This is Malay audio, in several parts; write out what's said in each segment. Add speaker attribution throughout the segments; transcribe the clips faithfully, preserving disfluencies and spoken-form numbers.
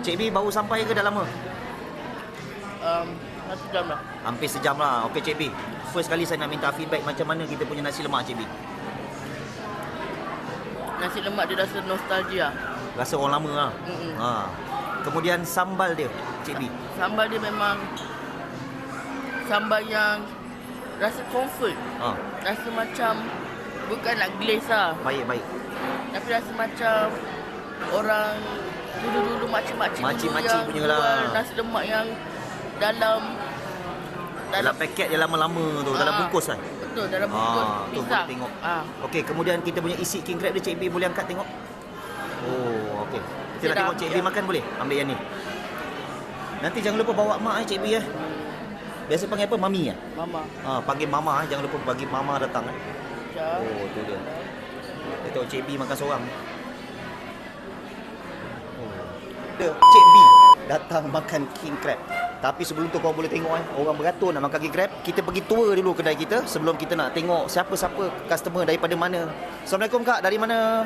Speaker 1: Cik B baru sampai ke dah lama?
Speaker 2: Um, satu jam lah.
Speaker 1: Hampir sejam lah. Okey Cik B, first kali saya nak minta feedback macam mana kita punya nasi lemak Cik B.
Speaker 2: Nasi lemak dia rasa nostalgia.
Speaker 1: Rasa orang lama lah.
Speaker 2: Mm-mm.
Speaker 1: Ha. Kemudian sambal dia Cik B.
Speaker 2: Sambal dia memang sambal yang rasa comfort.
Speaker 1: Ha.
Speaker 2: Rasa macam bukan nak glaze lah.
Speaker 1: Baik baik.
Speaker 2: Tapi rasa macam orang dulu-dulu makcik-makcik dulu
Speaker 1: Makcik-makcik
Speaker 2: yang
Speaker 1: punya
Speaker 2: jual
Speaker 1: lah.
Speaker 2: nasi lemak yang dalam
Speaker 1: Dalam paket dia lama-lama tu, dalam
Speaker 2: Ah,
Speaker 1: bungkus kan.
Speaker 2: Betul, dalam bungkus
Speaker 1: Ah, tu
Speaker 2: pisang.
Speaker 1: boleh tengok.
Speaker 2: Ah.
Speaker 1: Okey, kemudian kita punya isi king crab dia Cik B boleh angkat tengok. Oh, okey. Kita
Speaker 2: Dia
Speaker 1: nak
Speaker 2: dah
Speaker 1: tengok Cik B
Speaker 2: ambil
Speaker 1: makan boleh? Ambil yang ni. Nanti jangan lupa bawa mak eh Cik B eh. Biasa panggil apa? Mami eh?
Speaker 2: Mama.
Speaker 1: Ha, panggil mama eh. Jangan lupa bagi mama datang eh.
Speaker 2: Sekejap.
Speaker 1: Oh, tu dia. Kita tengok Cik B makan seorang. Oh. Cik B datang makan king crab. Tapi sebelum tu kau boleh tengok eh, orang beratur nak makan king crab. Kita pergi tour dulu kedai kita sebelum kita nak tengok siapa-siapa customer daripada mana. Assalamualaikum Kak, dari mana?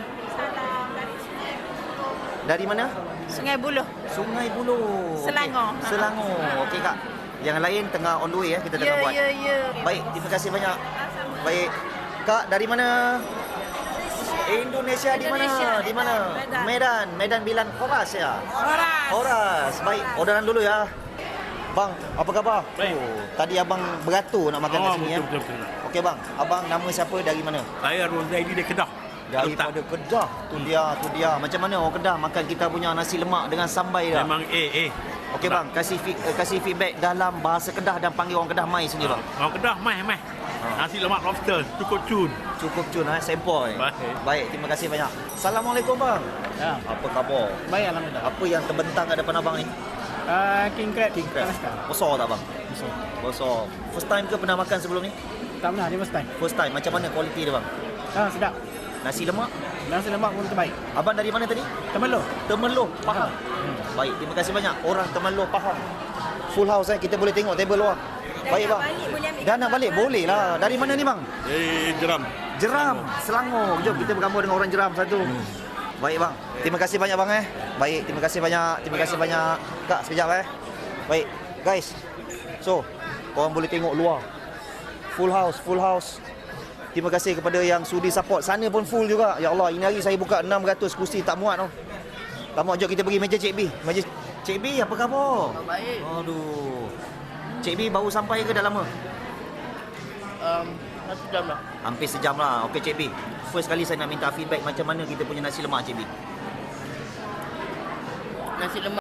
Speaker 1: Dari mana?
Speaker 3: Sungai Buloh.
Speaker 1: Sungai Buloh.
Speaker 3: Selangor.
Speaker 1: Okey. Selangor. Okey Kak. Yang lain tengah on the way eh, kita tengah
Speaker 3: Ya,
Speaker 1: buat.
Speaker 3: ya, ya.
Speaker 1: Baik, terima kasih banyak. Baik. Kak, dari mana? Indonesia di mana?
Speaker 3: Indonesia.
Speaker 1: Di mana?
Speaker 3: Medan.
Speaker 1: Medan. Medan Bilan Horas ya.
Speaker 3: Horas.
Speaker 1: Horas. Baik, orderan dulu ya. Bang, apa khabar?
Speaker 4: Baik.
Speaker 1: Oh, tadi abang beratur nak makan kat
Speaker 4: Oh,
Speaker 1: sini ya.
Speaker 4: betul, betul, betul.
Speaker 1: Okey bang, abang nama siapa dari mana?
Speaker 4: Saya Rozaili dari Kedah.
Speaker 1: Daripada Kedah. Tu dia, tu dia. Macam mana orang Kedah makan kita punya nasi lemak dengan sambai dah?
Speaker 4: Memang A A.
Speaker 1: Okey bang, kasih fi- eh, kasih feedback dalam bahasa Kedah dan panggil orang Kedah mai sini bang.
Speaker 4: Orang Kedah mai mai.
Speaker 1: Ha.
Speaker 4: Nasi lemak lobster cukup cun.
Speaker 1: Cukup cun eh, sempoi.
Speaker 4: Baik.
Speaker 1: Baik, terima kasih banyak. Assalamualaikum bang.
Speaker 5: Ya,
Speaker 1: Apa khabar?
Speaker 5: baik alhamdulillah.
Speaker 1: Apa yang terbentang kat depan abang ni?
Speaker 5: Uh, king crab.
Speaker 1: King crab. Besar tak bang?
Speaker 5: Besar.
Speaker 1: Besar. First time ke pernah makan sebelum ni?
Speaker 5: Tak pernah, dia first time.
Speaker 1: First time. Macam mana kualiti dia bang?
Speaker 5: Ah, sedap.
Speaker 1: Nasi lemak?
Speaker 5: Nasi lemak pun terbaik.
Speaker 1: Abang dari mana tadi?
Speaker 5: Temeloh.
Speaker 1: Temeloh, Pahang.
Speaker 5: Hmm.
Speaker 1: Baik, terima kasih banyak. Orang Temeloh, Pahang. Full house eh, kita boleh tengok table luar. Baik bang. Dah nak balik? Boleh lah. Dari mana ni bang?
Speaker 4: Eh jeram.
Speaker 1: Jeram, Selangor. Jom kita bergambar dengan orang Jeram satu. Baik bang. Terima kasih banyak bang eh. Baik, terima kasih banyak. Terima kasih banyak. Kak, sekejap eh. Baik, guys. So, korang boleh tengok luar. Full house, full house. Terima kasih kepada yang sudi support. Sana pun full juga. Ya Allah, ini hari saya buka enam ratus kursi tak muat tau. Tak muat, jom kita pergi meja Cik B. Meja Cik B, apa khabar?
Speaker 2: Baik.
Speaker 1: Aduh. Cik B baru sampai ke dah lama?
Speaker 2: Um, satu jam lah.
Speaker 1: Hampir sejam lah. Okey Cik B, first kali saya nak minta feedback macam mana kita punya nasi lemak Cik B.
Speaker 2: Nasi lemak